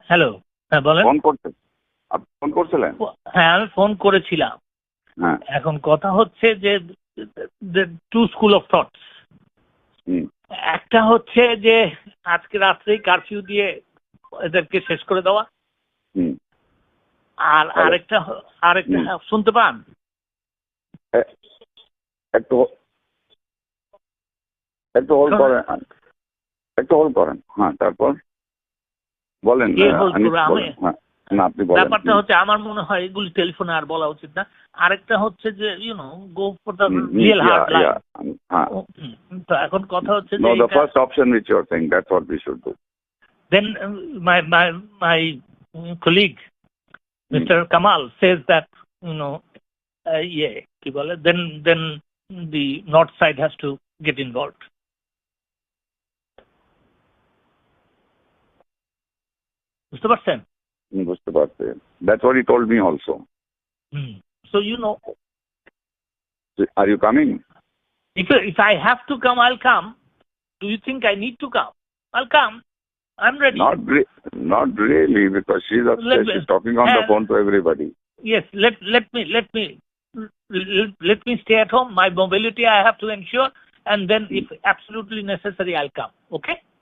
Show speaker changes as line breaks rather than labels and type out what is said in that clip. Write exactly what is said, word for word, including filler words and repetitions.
Hello, হ্যাঁ বলেন।
Phone করতে আপনি ফোন করছিলেন?
হ্যাঁ আমি ফোন করেছিলাম।
হ্যাঁ।
এখন কথা হচ্ছে যে টু স্কুল অফ থটস। একটা হচ্ছে যে আজকে রাত্রেই কারফিউ দিয়ে এদেরকে শেষ করে দেওয়া, আর আরেকটা আরেকটা শুনতে পান?
একটু একটু হোল্ড করেন, একটু হোল্ড করেন। হ্যাঁ, তারপর বলেন।
ব্যাপারটা হচ্ছে আমার মনে হয় এগুলি টেলিফোনে আর বলা উচিত না। আরেকটা হচ্ছে যে you know go for the real hard line. তো এখন কথা হচ্ছে যে
the first option which you are saying, that's what we should do.
Then uh, my my my colleague Mister Kamal says that you know uh, yeah কি বলে then then the north side has to get involved. বুঝতে পারছেন?
বুঝতে পারছি। That's what he told me also.
Hmm. So you know,
are you coming?
If if I have to come, I'll come. Do you think I need to come? I'll come. I'm ready.
Not re- not really, because she's upstairs. She's talking on the phone to everybody.
Yes, let let me let me let, let me stay at home. My mobility I have to ensure, and then if absolutely necessary, I'll come. Okay?